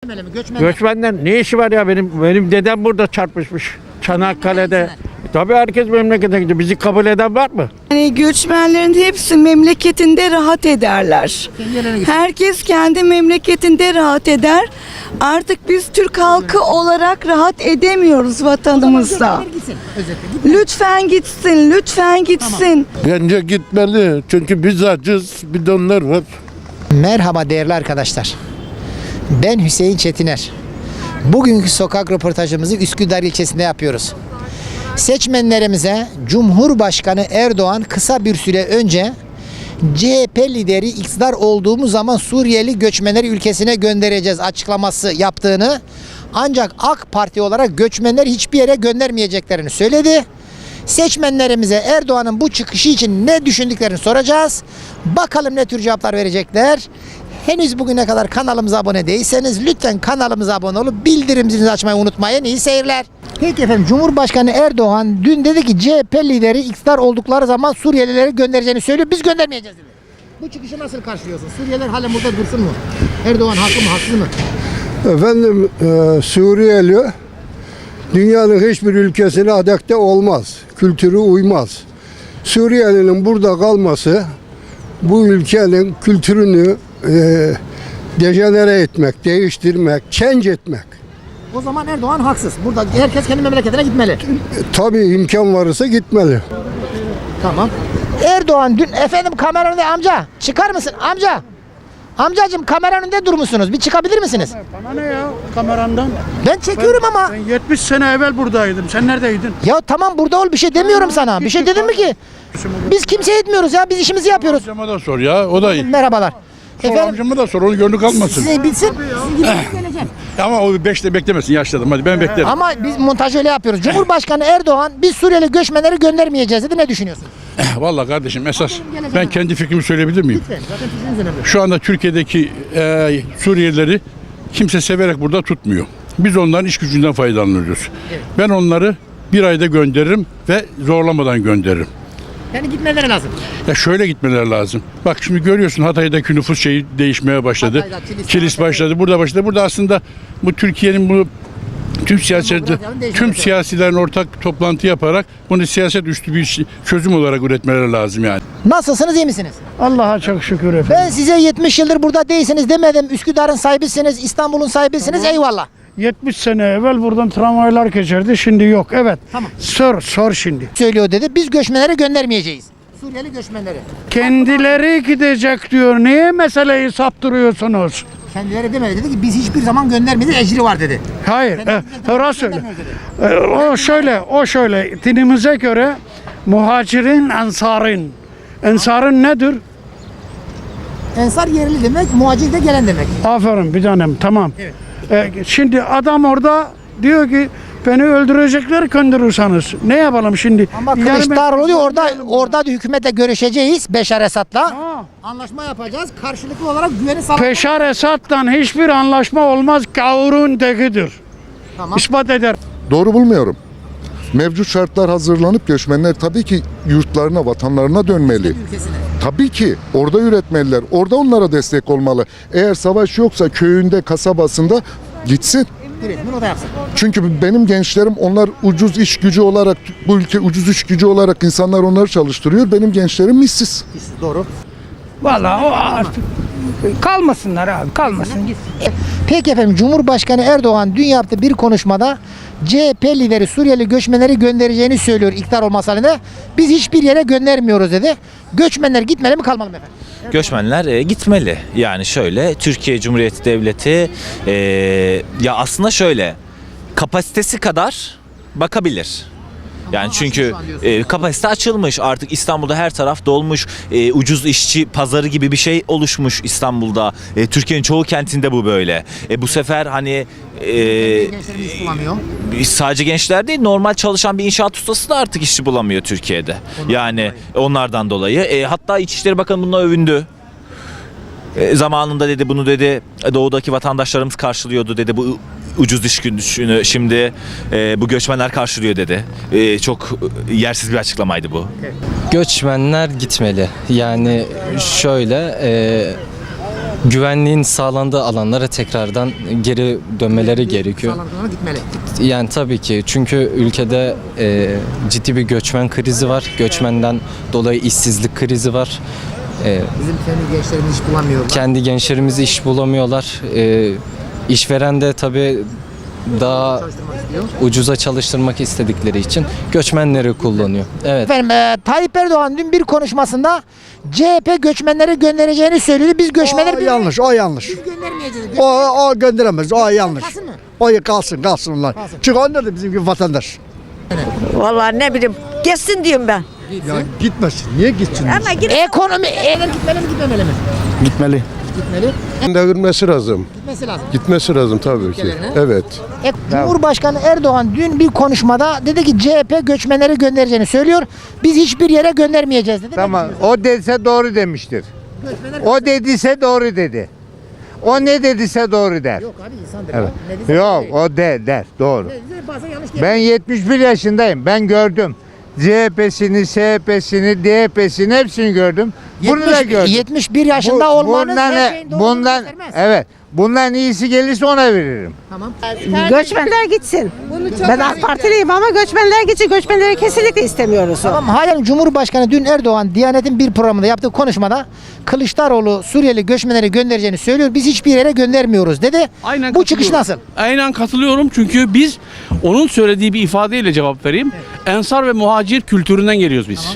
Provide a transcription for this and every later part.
Göçmenler ne işi var ya, benim dedem burada çarpışmış Çanakkale'de. Tabii herkes memlekete gidiyor. Bizi kabul eden var mı? Yani göçmenlerin hepsi memleketinde rahat ederler. Herkes kendi memleketinde rahat eder. Artık biz Türk halkı olarak rahat edemiyoruz vatanımızda. Lütfen gitsin, lütfen gitsin. Bence gitmeli. Çünkü biz acız, bir de onlar var. Merhaba değerli arkadaşlar. Ben Hüseyin Çetiner. Bugünkü sokak röportajımızı Üsküdar ilçesinde yapıyoruz. Seçmenlerimize Cumhurbaşkanı Erdoğan kısa bir süre önce CHP lideri iktidar olduğumuz zaman Suriyeli göçmenleri ülkesine göndereceğiz açıklaması yaptığını, ancak AK Parti olarak göçmenleri hiçbir yere göndermeyeceklerini söyledi. Seçmenlerimize Erdoğan'ın bu çıkışı için ne düşündüklerini soracağız. Bakalım ne tür cevaplar verecekler. Henüz bugüne kadar kanalımıza abone değilseniz lütfen kanalımıza abone olup bildirim zilini açmayı unutmayın. İyi seyirler. Peki efendim, Cumhurbaşkanı Erdoğan dün dedi ki CHP lideri iktidar oldukları zaman Suriyelileri göndereceğini söylüyor. Biz göndermeyeceğiz dedi. Bu çıkışı nasıl karşılıyorsun? Suriyeliler halen burada dursun mu? Erdoğan haklı mı, haksız mı? Efendim, Suriyeli dünyanın hiçbir ülkesine adapte olmaz. Kültürü uymaz. Suriyelinin burada kalması bu ülkenin kültürünü dejenere etmek, değiştirmek, change etmek. O zaman Erdoğan haksız. Burada herkes kendi memleketine gitmeli. Tabii imkan varsa gitmeli. Tamam. Erdoğan dün efendim kameranın önünde, amca çıkar mısın amca? Amcacığım kameranın önünde durmuşsunuz. Bir çıkabilir misiniz? Bana ne ya kamerandan? Ben çekiyorum ama. Ben 70 sene evvel buradaydım. Sen neredeydin? Ya tamam burada ol, bir şey demiyorum sana. Bir şey dedim mi ki? Biz kimseye etmiyoruz ya. Biz işimizi yapıyoruz. Amcama da sor ya, o da iyi. Merhabalar. Sor Efendim amcama da sor, onu gönlü kalmasın. size bilsin. Sizin gibi geleceğim. Ama o 5'te beklemesin, yaşladım. Hadi ben beklerim. Ama biz montajı öyle yapıyoruz. Cumhurbaşkanı Erdoğan biz Suriyeli göçmenleri göndermeyeceğiz dedi. Ne düşünüyorsunuz? Vallahi kardeşim, esas ben kendi fikrimi söyleyebilir miyim? Lütfen. Zaten fikriniz önemli. Şu anda Türkiye'deki Suriyelileri kimse severek burada tutmuyor. Biz onların iş gücünden faydalanıyoruz. Evet. Ben onları bir ayda gönderirim ve zorlamadan gönderirim. Yani gitmeleri lazım. Ya şöyle gitmeleri lazım. Bak şimdi görüyorsun, Hatay'daki nüfus şeyi değişmeye başladı. Hatay'da, Kilis başladı. Burada başladı. Burada aslında bu Türkiye'nin bu tüm siyasilerin ortak toplantı yaparak bunu siyaset üstü bir çözüm olarak üretmeleri lazım yani. Nasılsınız, iyi misiniz? Allah'a çok şükür efendim. Ben size 70 yıldır burada değilsiniz demedim. Üsküdar'ın sahibisiniz, İstanbul'un sahibisiniz. Eyvallah. 70 sene evvel buradan tramvaylar geçerdi. Şimdi yok. Evet. Tamam. Sor şimdi. Söylüyor dedi. Biz göçmenleri göndermeyeceğiz. Suriyeli göçmenleri. Kendileri gidecek diyor. Niye meseleyi saptırıyorsunuz? Kendileri demedi, dedi ki biz hiçbir zaman göndermedik, ecri var dedi. Hayır. Orası öyle. Göndermiyoruz O şöyle. Dinimize göre muhacirin, ensarın. Ensarın nedir? Ensar yerli demek, muhacir de gelen demek. Aferin bir tanem. Tamam. Evet. Şimdi adam orada diyor ki beni öldürecekler gönderirseniz. Ne yapalım şimdi? Ama Yani Kılıçdaroğlu diyor orada da hükümetle görüşeceğiz Beşar Esad'la. Ha. Anlaşma yapacağız. Karşılıklı olarak güveni sağlamak. Beşar Esad'dan hiçbir anlaşma olmaz. Gavurun tekidir. Tamam. İspat eder. Doğru bulmuyorum. Mevcut şartlar hazırlanıp göçmenler tabii ki yurtlarına, vatanlarına dönmeli. Ülkesine. Tabii ki orada üretmeliler. Orada onlara destek olmalı. Eğer savaş yoksa köyünde, kasabasında gitsin. Üretimini o da yapsın. Çünkü benim gençlerim, onlar ucuz iş gücü olarak, bu ülke ucuz iş gücü olarak insanlar onları çalıştırıyor. Benim gençlerim işsiz. Doğru. Vallahi o artık kalmasınlar abi, kalmasın. Peki efendim, Cumhurbaşkanı Erdoğan dün yaptığı bir konuşmada CHP lideri Suriyeli göçmenleri göndereceğini söylüyor iktidar olması halinde. Biz hiçbir yere göndermiyoruz dedi. Göçmenler gitmeli mi, kalmalı mı efendim? Göçmenler gitmeli. Yani şöyle, Türkiye Cumhuriyeti Devleti ya aslında şöyle, kapasitesi kadar bakabilir. Yani çünkü kapasite açılmış, artık İstanbul'da her taraf dolmuş, ucuz işçi pazarı gibi bir şey oluşmuş İstanbul'da. Türkiye'nin çoğu kentinde bu böyle. Bu sefer hani Gençlerimiz iş bulamıyor. sadece gençler değil, normal çalışan bir inşaat ustası da artık işçi bulamıyor Türkiye'de. Yani onlardan dolayı. Hatta İçişleri Bakanı bununla övündü. Zamanında dedi, bunu dedi doğudaki vatandaşlarımız karşılıyordu dedi, bu ucuz iş gücünü şimdi bu göçmenler karşılıyor dedi. Çok yersiz bir açıklamaydı bu. Göçmenler gitmeli. Yani şöyle güvenliğin sağlandığı alanlara tekrardan geri dönmeleri gerekiyor. Gitmeli. Yani tabii ki çünkü ülkede ciddi bir göçmen krizi var. Göçmenden dolayı işsizlik krizi var. Bizim kendi gençlerimiz iş bulamıyorlar. Kendi gençlerimiz iş bulamıyorlar. İşveren de tabii daha ucuza çalıştırmak istedikleri için göçmenleri kullanıyor. Evet. Efendim Tayyip Erdoğan dün bir konuşmasında CHP göçmenleri göndereceğini söyledi. Biz göçmenleri yanlış, o yanlış. Biz göndermeyeceğiz. O gönderemez, o yanlış. Kalsın mı? O kalsın onlar. Çünkü onlar da bizim gibi vatandaş. Vallahi ne bileyim. Geçsin diyorum ben. Ya gitmesin, niye gitsin? Ama Ekonomi gitmeli mi gitmemeli mi? Gitmeli. Gitmeli. Devirmesi lazım. Gitmesi lazım. Gitmesi lazım tabii ki. Evet. Cumhurbaşkanı Erdoğan dün bir konuşmada dedi ki CHP göçmenleri göndereceğini söylüyor. Biz hiçbir yere göndermeyeceğiz dedi. Tamam. O dediyse doğru demiştir. O dediyse doğru dedi. O ne dediyse doğru der. Yok abi insandır. Evet. Ne dediyse Yok değil. o der doğru. Bazen yanlış değil. Ben 71 yaşındayım. Ben gördüm. CHP'sini, SHP'sini, DHP'sini hepsini gördüm. Bunu da gördüm. 71 yaşında olmanız her şeyin doğruluğunu göstermez. evet. Bundan iyisi gelirse ona veririm. Tamam. Göçmenler gitsin. Ben AK Partiliyim ama göçmenler gitsin. Göçmenleri kesinlikle istemiyoruz. Tamam. Halen Cumhurbaşkanı dün Erdoğan Diyanet'in bir programında yaptığı konuşmada Kılıçdaroğlu Suriyeli göçmenleri göndereceğini söylüyor. Biz hiçbir yere göndermiyoruz dedi. Aynen Bu çıkış nasıl? Aynen katılıyorum çünkü biz onun söylediği bir ifadeyle cevap vereyim. Ensar ve muhacir kültüründen geliyoruz biz.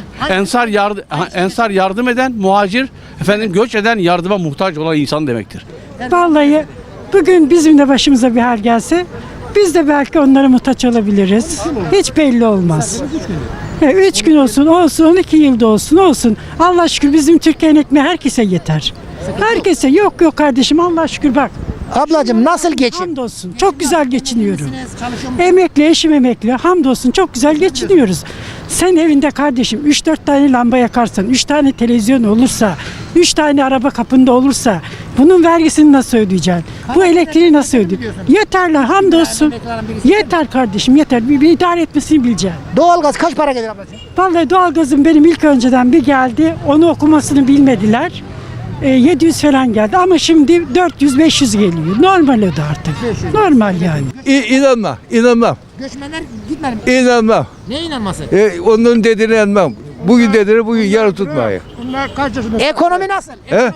Ensar yardım eden, muhacir göç eden, yardıma muhtaç olan insan demektir. Vallahi bugün bizim de başımıza bir hal gelse biz de belki onlara muhtaç olabiliriz. Hiç belli olmaz. 3 gün olsun, 12 yılda olsun. Allah şükür bizim Türkiye'nin ekmeği herkese yeter. Herkese yok kardeşim Allah şükür bak. Ablacığım nasıl geçin? Hamdolsun çok güzel geçiniyorum. Emekli, eşim emekli. Hamdolsun çok güzel geçiniyoruz. Sen evinde kardeşim 3-4 tane lamba yakarsan, 3 tane televizyon olursa, 3 tane araba kapında olursa bunun vergisini nasıl ödeyeceksin? Bu elektriği nasıl ödeyeceksin? Yeterli hamdolsun. Yeter kardeşim yeter. Bir idare etmesini bileceksin. Doğalgaz kaç para gelir ablacığım? Vallahi doğalgazım benim ilk önceden bir geldi. Onu okumasını bilmediler. 700 falan geldi ama şimdi 400-500 geliyor. Normal öde artık. Normal yani. İnanmam. Göçmenler gitmeli mi? İnanmam. Neye inanması? Onun dediğine inanmam. Bugün dediğini bugün yarın tutmayın. Ekonomi nasıl?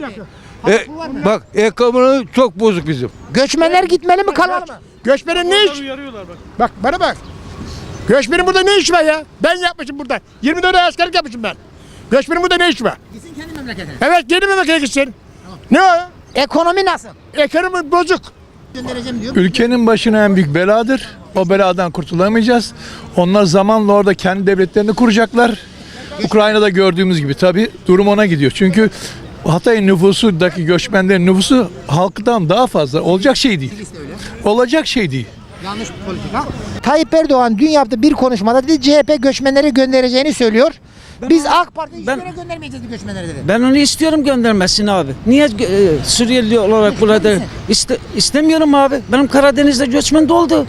Bak ekonomi çok bozuk bizim. Göçmenler gitmeli mi kalmalı mı? Göçmenin ne iş? Bak bana bak. Göçmenin burada ne işi var ya? Ben yapmışım burada. 24 ay askerlik yapmışım ben. Göçmenin burada ne işi var? Gitsin kendi memleketine. Evet kendi memlekete gitsin. Ne o? Ekonomi nasıl? Ekonomi bozuk. Göndereceğim diyor. Ülkenin başına en büyük beladır. O beladan kurtulamayacağız. Onlar zamanla orada kendi devletlerini kuracaklar. Ukrayna'da gördüğümüz gibi tabii durum ona gidiyor. Çünkü Hatay nüfusundaki göçmenlerin nüfusu halktan daha fazla. Olacak şey değil. Olacak şey değil. Yanlış bir politika. Tayyip Erdoğan dün yaptığı bir konuşmada dedi CHP göçmenleri göndereceğini söylüyor. Biz AK Parti hiçbir yere göndermeyeceğiz göçmenleri dedi. Ben onu istiyorum göndermesini abi. Niye Suriyeli olarak burada istemiyorum abi. Benim Karadeniz'de göçmen doldu.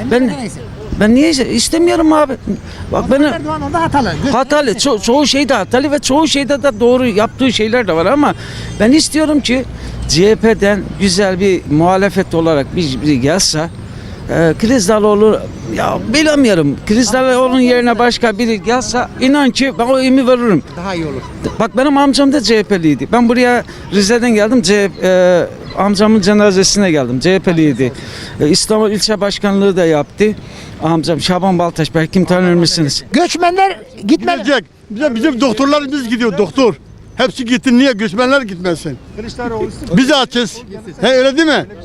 Ben niye istemiyorum abi? Bak benim Erdoğan orada hatalı. hatalı. Çoğu şeyde hatalı ve çoğu şeyde de doğru yaptığı şeyler de var ama ben istiyorum ki CHP'den güzel bir muhalefet olarak biri gelse Kılıçdaroğlu ya bilemiyorum. Kılıçdaroğlu'nun yerine başka biri gelse inan ki ben o imi veririm. Daha iyi olur. Bak benim amcam da CHP'liydi. Ben buraya Rize'den geldim. Amcamın cenazesine geldim. CHP'liydi. İstanbul ilçe başkanlığı da yaptı. Amcam Şaban Baltaş belki kim tanır mısınız? Göçmenler gitmeli. Gidecek. Bizim doktorlarımız gidiyor doktor. Hepsi gitti. Niye göçmenler gitmesin? Biz açız. Öyle değil mi?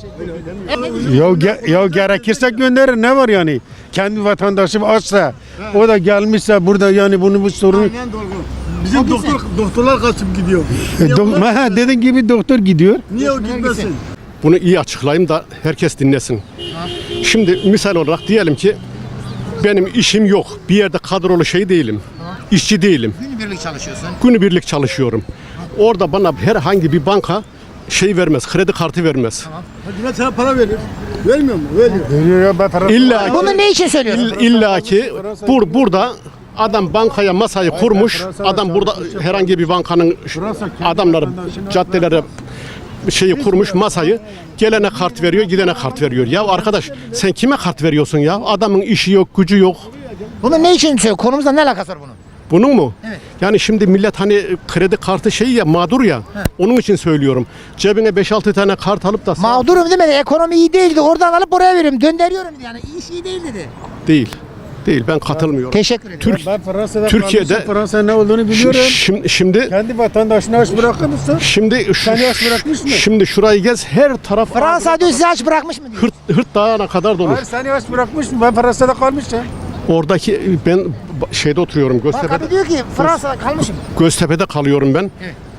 Ya gerekirse gönderir ne var yani? Kendi vatandaşım açsa o da gelmişse burada yani bu sorun. Bizim doktorlar kaçıp gidiyor. Dediğin gibi doktor gidiyor. Niye o gitmesin? Bunu iyi açıklayayım da herkes dinlesin. Şimdi misal olarak diyelim ki benim işim yok. Bir yerde kadrolu şey değilim. İşçi değilim. Günübirlik çalışıyorsun. Günübirlik çalışıyorum. Orada bana herhangi bir banka şey vermez, kredi kartı vermez. Hadi sana para verir. Vermiyor mu? Veriyor. İlla Bunu ne için söylüyorsun? İlla ki burada adam bankaya masayı kurmuş. Adam burada herhangi bir bankanın adamları caddelere şeyi kurmuş masayı. Gelene kart veriyor, gidene kart veriyor. Ya arkadaş sen kime kart veriyorsun ya? Adamın işi yok, gücü yok. Bunu ne için söylüyor? Konumuzla ne alakası var bunun? Bunun mu? Evet. Yani şimdi millet hani kredi kartı şeyi ya mağdur ya. Onun için söylüyorum. Cebine 5-6 tane kart alıp da Mağdurum demedi. Ekonomi iyi değildi. Oradan alıp oraya veriyorum. Döndürüyorum dedi. Yani iş iyi değil dedi. değil. Değil, ben katılmıyorum. Teşekkür ederim. Ben Fransa'da Türkiye'de- kalmışım, Fransa ne olduğunu biliyorum. Şimdi Kendi vatandaşını aç bırakır mısın? Seni aç bırakmış mı? Şimdi şurayı gez, her taraf Fransa diyor sizi aç bırakmış mı diyor. hırt dağına kadar dolu. Hayır seni aç bırakmış mı? Ben Fransa'da kalmışım. Oradaki ben şeyde oturuyorum, Bak abi diyor ki Fransa'da kalmışım. Göztepe'de kalıyorum ben.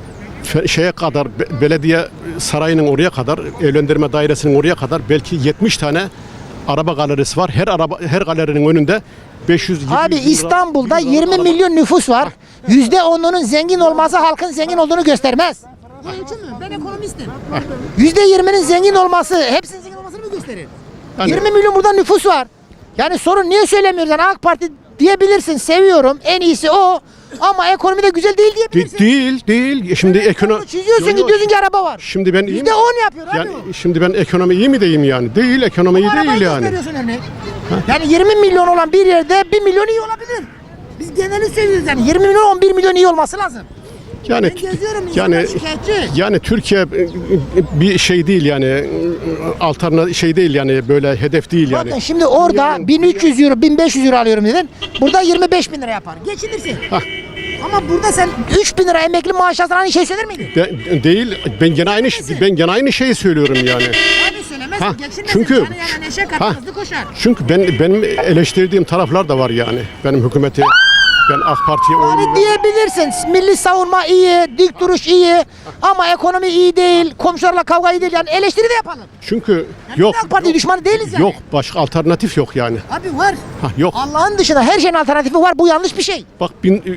Şeye kadar belediye sarayının oraya kadar, evlendirme dairesinin oraya kadar belki 70 tane araba galerisi var. Her galerinin önünde 500 Abi İstanbul'da 20 milyon nüfus var. %10'unun zengin olması halkın zengin olduğunu göstermez. Bu ölçü mü? Ben ekonomistim. %20'nin zengin olması hepsinin zengin olmasını mı gösterir? Yani- 20 milyon burada nüfus var. Yani sorun niye söylemiyoruz? Yani AK Parti diyebilirsin, seviyorum, en iyisi o. Ama ekonomi de güzel değil diyebilirsin. Değil. Şimdi ekonomi Çiziyorsun ki diyorsun ki araba var. Şimdi ben iyi mi? %10 yapıyor abi Yani o. şimdi ben ekonomi iyi mi diyeyim yani? Değil, ekonomi iyi Arabayı değil yani. gösteriyorsun örneğin. Yani 20 milyon olan bir yerde 1 milyon iyi olabilir. Biz geneli söylüyoruz yani 20 milyon 11 milyon iyi olması lazım. Yani Ben geziyorum, insanlar şikayetçi. yani Türkiye bir şey değil yani alternatif şey değil yani böyle hedef değil yani. Bakın şimdi orada 1300 euro 1500 euro alıyorum dedin. Burada 25 bin lira yapar. Geçinirsin. Ama burada sen 3 bin lira emekli maaş alsan aynı şey söyler miydin? Değil. Ben gene aynı şeyi söylüyorum yani. Abi söylemezsin. Ha, Geçinmesin. çünkü- Yani neşe katar, Ha. hızlı koşar. Çünkü benim eleştirdiğim taraflar da var yani. Benim hükümeti ben AK Parti'ye Yani oy diyebilirsin. Milli savunma iyi, dik duruş iyi ama ekonomi iyi değil, komşularla kavga iyi değil. Yani eleştiri de yapalım. çünkü Yani yok biz AK Parti düşmanı değiliz yani. yok başka alternatif yok yani. Abi var. Yok. Allah'ın dışında her şeyin alternatifi var. Bu yanlış bir şey. Bak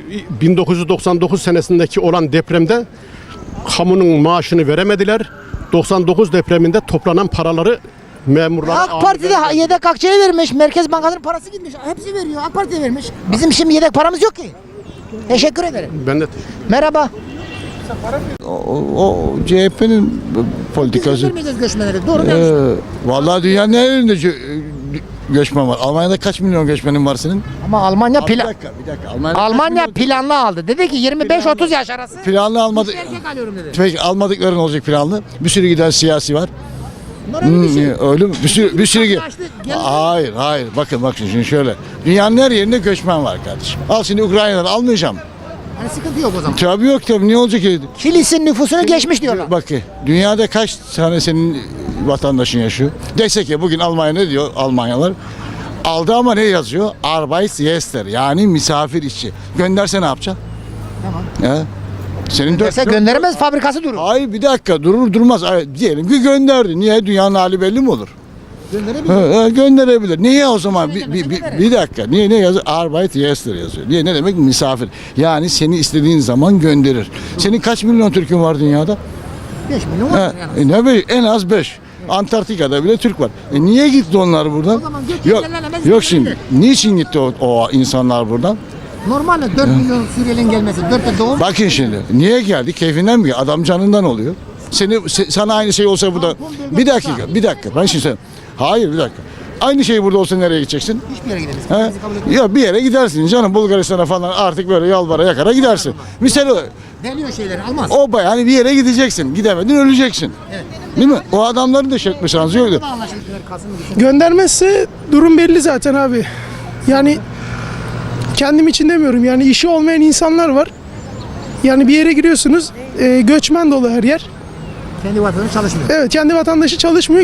1999 senesindeki olan depremde kamunun maaşını veremediler. 99 depreminde toplanan paraları memurlara AK Parti de yedek akçeye vermiş. Merkez Bankası'nın parası gitmiş. Hepsi veriyor. AK Parti vermiş. Bizim şimdi yedek paramız yok ki. Teşekkür ederim. Ben de Merhaba. O CHP'nin politikası. Götürmeyeceğiz göçmenleri. Doğru mu yanlış mı? Vallahi dünyanın her yerinde göçmen var. Almanya'da kaç milyon göçmenin var senin? Ama Almanya Bir dakika. Almanya planlı aldı. Dedi ki 25-30 yaş arası. Planlı almadı. Erkek alıyorum dedi. Peki almadıkları ne olacak planlı? Bir sürü giden siyasi var. Bunlar öyle bir şey. Öyle mi? Bir sürü Açtı, geldi. Hayır. Bakın şimdi şöyle. Dünyanın her yerinde göçmen var kardeşim. Al şimdi Ukrayna'dan almayacağım. Yani sıkıntı yok o zaman. Tabii yok tabii. Niye olacak ki? Kilis'in nüfusunu geçmiş diyorlar. Bak ki dünyada kaç tane senin vatandaşın yaşıyor? Desek ya bugün Almanya ne diyor Almanyalar? Aldı ama ne yazıyor? Arbeitsgäster yani misafir işçi. Gönderse ne yapacaksın? Tamam. Senin Mesela gönderemez fabrikası durur. Hayır bir dakika durur durmaz. Diyelim ki gönderdi. Niye? Dünyanın hali belli mi olur? Gönderebilir. Gönderebilir. Niye o zaman? Göndermese gönderir. Bir dakika. Niye ne yazıyor? Arbeitsgäster yazıyor. Niye ne demek? Misafir. Yani seni istediğin zaman gönderir. Senin kaç milyon Türk'ün var dünyada? 5 milyon var yani. Ne be? En az 5. Antarktika'da bile Türk var. Niye gitti onlar buradan? O zaman göç Yok, engellenemez, yok gönderebilir. şimdi. Niçin gitti o insanlar buradan? Normalde 4 milyon Suriyeli'nin gelmesi 4'te doğum. Bakın şimdi. Niye geldi? Keyfinden mi? Adam canından oluyor. Sana aynı şey olsa burada. Bir dakika. Ben şimdi söyleyeyim. Hayır bir dakika. Aynı şey burada olsa nereye gideceksin? Hiçbir yere gidemez. He? Bizi kabul etmiyor. Ya bir yere gidersin canım Bulgaristan'a falan artık böyle yalvara yakara gidersin. Misal Deniyor şeyleri almaz. o yani bir yere gideceksin. Gidemedin öleceksin. Değil mi? O adamların da şekli şansı yoktu. Göndermezse durum belli zaten abi. Yani kendim için demiyorum. Yani işi olmayan insanlar var. Yani bir yere giriyorsunuz, göçmen dolu her yer. Kendi vatandaşı çalışmıyor. Evet, kendi vatandaşı çalışmıyor.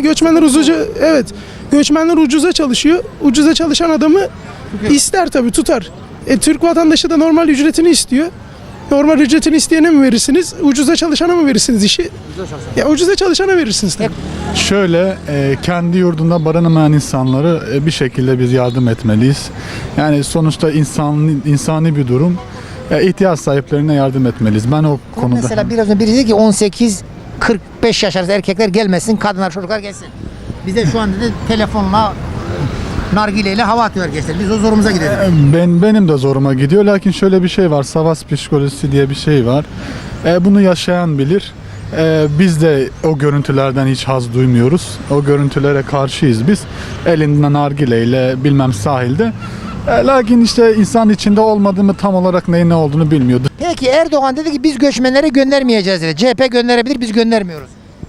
Göçmenler ucuza çalışıyor. Ucuza çalışan adamı ister tabii tutar. Türk vatandaşı da normal ücretini istiyor. Normal ücretini isteyene mi verirsiniz? Ucuza çalışana mı verirsiniz işi? Ucuza çalışana verirsiniz tabii. Şöyle kendi yurdunda barınamayan insanları bir şekilde biz yardım etmeliyiz. Yani sonuçta insani bir durum. İhtiyaç sahiplerine yardım etmeliyiz. Ben o konuda. Mesela biraz önce biri dedi ki 18-45 yaş arası erkekler gelmesin, kadınlar çocuklar gelsin. Bize şu anda dedi telefonla nargileyle hava atıyor gençler. Biz o zorumuza gidelim. Benim de zoruma gidiyor. Lakin şöyle bir şey var. Savaş psikolojisi diye bir şey var. Bunu yaşayan bilir. Biz de o görüntülerden hiç haz duymuyoruz. O görüntülere karşıyız biz. Elinden nargileyle bilmem sahilde. Lakin işte insan içinde olmadığımı tam olarak neyin ne olduğunu bilmiyordu. Peki Erdoğan dedi ki biz göçmenleri göndermeyeceğiz dedi. CHP gönderebilir, biz göndermiyoruz.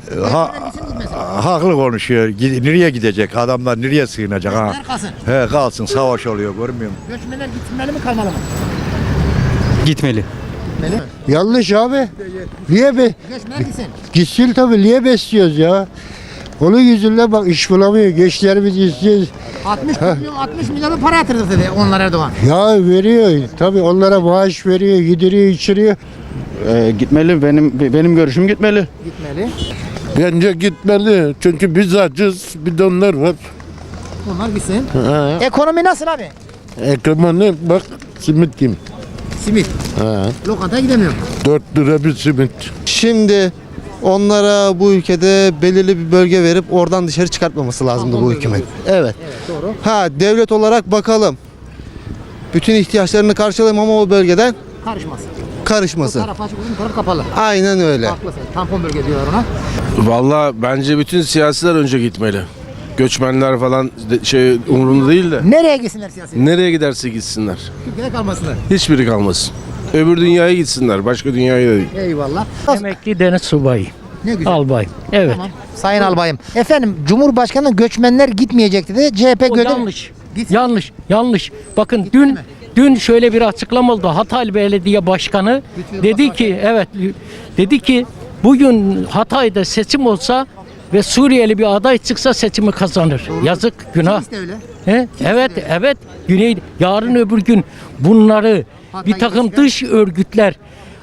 Haklı konuşuyor. Nereye gidecek? Adamlar nereye sığınacak? Ha? Kalsın. He kalsın, savaş oluyor, görmüyor musun? Göçmenler gitmeli mi, kalmalı mı? Gitmeli. Gitmeli. Yanlış abi. Niye be? Göçmen gitsin. Gitsin tabii. Niye besliyoruz ya? Onun yüzünden bak iş bulamıyor. Gençlerimiz istiyoruz. 60 milyon para yatırdı dedi onlar Erdoğan. Ya veriyor. Tabii onlara maaş veriyor, yediriyor, içiriyor. Gitmeli. Benim görüşüm gitmeli. Gitmeli. Bence gitmeli. Çünkü biz acız, bir de onlar var. Onlar gitsin. Ekonomi nasıl abi? Ekonomi bak, simit kim? Simit. Lokantaya gidemiyor. 4 lira bir simit. Şimdi onlara bu ülkede belirli bir bölge verip oradan dışarı çıkartmaması lazımdı bu hükümet. Evet. Doğru. Ha devlet olarak bakalım. Bütün ihtiyaçlarını karşılayalım ama o bölgeden Karışmasın. karışmasın. Taraf açık, uzun taraf kapalı. Aynen öyle. Haklısın. Tampon bölge diyorlar ona. Vallahi bence bütün siyasiler önce gitmeli. Göçmenler falan umurunda değil de. Nereye gitsinler siyasi? Nereye giderse gitsinler. Türkiye'de kalmasınlar. Hiçbiri kalmasın. Öbür dünyaya gitsinler. Başka dünyaya da değil. Eyvallah. Emekli deniz subayı. Ne güzel. Albay. Evet. Tamam. Sayın Albayım. Efendim Cumhurbaşkanı göçmenler gitmeyecek dedi. CHP O gönder. yanlış. Gitsin. Yanlış. Bakın Gitsin mi? dün şöyle bir açıklama oldu. Hatay Belediye Başkanı dedi ki dedi ki bugün Hatay'da seçim olsa ve Suriyeli bir aday çıksa seçimi kazanır. Yazık, günah. Kimisi de öyle. Evet. Yarın öbür gün bunları bir takım dış örgütler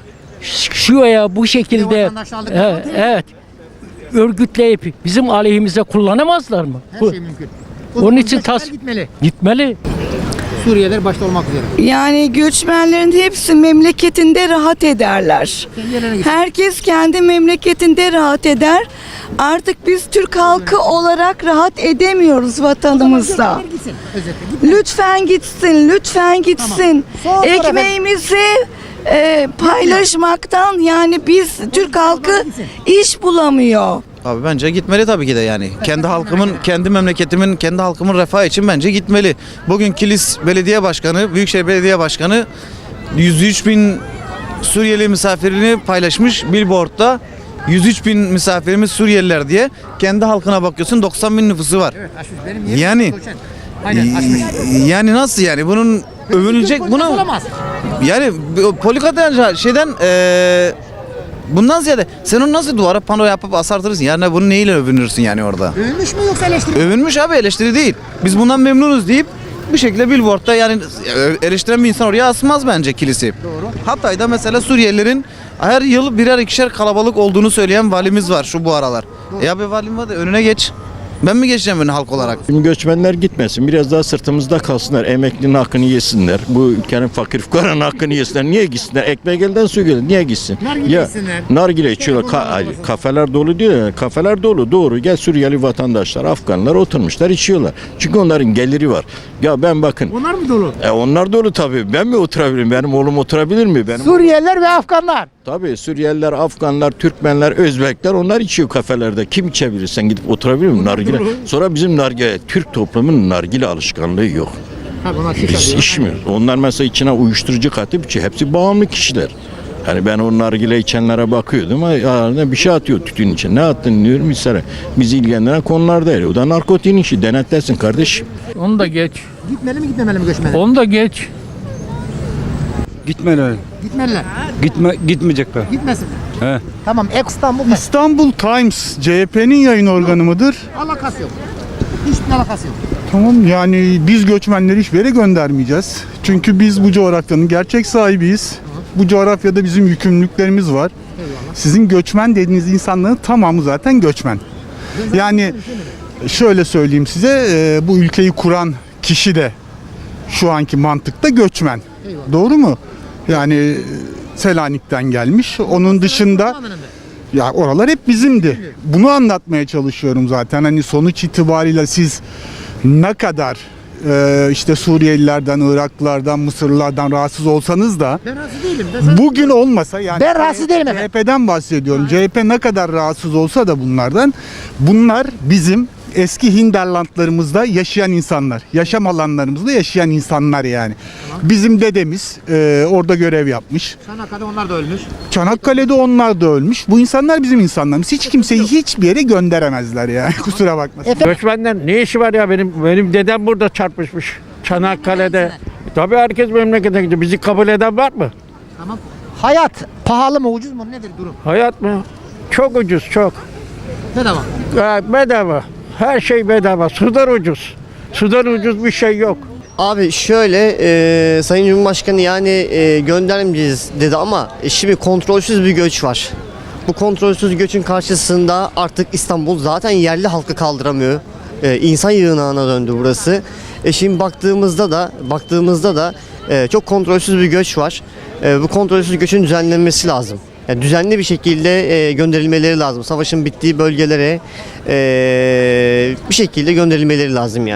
şu veya bu şekilde vatandaşlık yapmak değil mi? evet örgütleyip bizim aleyhimize kullanamazlar mı? Her şey mümkün. Onun için göçmenler gitmeli. gitmeli. Suriyeliler başta olmak üzere. Yani göçmenlerin hepsi memleketinde rahat ederler. Herkes kendi memleketinde rahat eder. Artık biz Türk halkı olarak rahat edemiyoruz vatanımızda. Lütfen gitsin, lütfen gitsin. Tamam. Ekmeğimizi paylaşmaktan yani biz Türk halkı iş bulamıyor. Abi bence gitmeli tabii ki de yani. Kendi halkımın, kendi memleketimin, kendi halkımın refahı için bence gitmeli. Bugün Kilis Belediye Başkanı, Büyükşehir Belediye Başkanı 103 bin Suriyeli misafirini paylaşmış billboardda. 103 bin misafirimiz Suriyeliler diye. Kendi halkına bakıyorsun 90 bin nüfusu var. Evet, açmış. Benim yerim Yani Aynen, açmış. yani nasıl yani bunun övünülecek bunu Olamaz. yani politika şeyden bundan ziyade sen onu nasıl duvara pano yapıp asartırsın? Yani bunu neyle övünürsün yani orada? Övünmüş mü yoksa eleştiri? Övünmüş abi, eleştiri değil. Biz bundan memnunuz deyip bir şekilde billboardda yani eleştiren bir insan oraya asmaz bence kilisi. Doğru. Hatay'da mesela Suriyelilerin her yıl birer ikişer kalabalık olduğunu söyleyen valimiz var şu bu aralar. Ya bir valim var da önüne geç. Ben mi geçeceğim önüne halk olarak? Şimdi göçmenler gitmesin. Biraz daha sırtımızda kalsınlar. Emeklinin hakkını yesinler. Bu ülkenin fakir fukaranın hakkını yesinler. Niye gitsinler? Ekmek elden su gölden. Niye gitsin? Nargile yesinler. Nargile içiyorlar. Kafeler dolu diyor ya. Kafeler dolu. Doğru. Gel Suriyeli vatandaşlar, Afganlar oturmuşlar içiyorlar. Çünkü onların geliri var. Ya ben bakın. Onlar mı dolu? Onlar dolu tabii. Ben mi oturabilirim? Benim oğlum oturabilir mi? Benim Suriyeliler ve Afganlar. Tabii Suriyeliler, Afganlar, Türkmenler, Özbekler onlar içiyor kafelerde. Kim içebilir? Sen gidip oturabilir misin? Nargile. Sonra bizim nargile, Türk toplumunun nargile alışkanlığı yok. Biz içmiyoruz. Onlar mesela içine uyuşturucu katıp içiyor. Hepsi bağımlı kişiler. Yani ben o nargile içenlere bakıyordum ama bir şey atıyor tütün için. Ne attın diyorum mesela. Bizi ilgilendiren konular değil. O da narkotiğin işi. Denetlensin kardeşim. Onu da geç. Gitmeli mi gitmemeli mi göçmenler? Onu da geç. Gitmeli. Gitmeliler. Gitmeyecekler. Gitmesin. He. Tamam. İstanbul mu? İstanbul Times CHP'nin yayın organı mıdır? Alakası yok. Hiçbir alakası yok. Tamam, yani biz göçmenleri hiçbir yere göndermeyeceğiz. Çünkü biz bu coğrafyanın gerçek sahibiyiz. Bu coğrafyada bizim yükümlülüklerimiz var. Sizin göçmen dediğiniz insanların tamamı zaten göçmen. Yani şöyle söyleyeyim size, bu ülkeyi kuran kişi de şu anki mantıkta göçmen. Doğru mu? Yani Selanik'ten gelmiş. Onun dışında ya oralar hep bizimdi. Bunu anlatmaya çalışıyorum zaten. Hani sonuç itibariyle siz ne kadar işte Suriyelilerden, Iraklılardan, Mısırlılardan rahatsız olsanız da Ben razı değilim. bugün olmasa yani Ben rahatsız değilim efendim. CHP'den bahsediyorum. CHP ne kadar rahatsız olsa da bunlar bizim eski hinterlandlarımızda yaşayan insanlar. Yaşam alanlarımızda yaşayan insanlar yani. Bizim dedemiz orada görev yapmış. Çanakkale'de onlar da ölmüş. Çanakkale'de onlar da ölmüş. Bu insanlar bizim insanlarımız. Hiç kimseyi hiçbir yere gönderemezler yani. Kusura bakmasın. Göçmenden ne işi var ya benim dedem burada çarpışmış Çanakkale'de. Tabii herkes memlekete gidiyor. Bizi kabul eden var mı? Tamam. Hayat pahalı mı ucuz mu nedir durum? Hayat mı? Çok ucuz çok. Bedava. Bedava. Her şey bedava. Sudan ucuz. Sudan ucuz bir şey yok. Abi şöyle Sayın Cumhurbaşkanı yani göndermeyeceğiz dedi ama şimdi kontrolsüz bir göç var. Bu kontrolsüz göçün karşısında artık İstanbul zaten yerli halkı kaldıramıyor. İnsan yığınağına döndü burası. Şimdi baktığımızda da çok kontrolsüz bir göç var. Bu kontrolsüz göçün düzenlenmesi lazım. Yani düzenli bir şekilde gönderilmeleri lazım. Savaşın bittiği bölgelere bir şekilde gönderilmeleri lazım yani.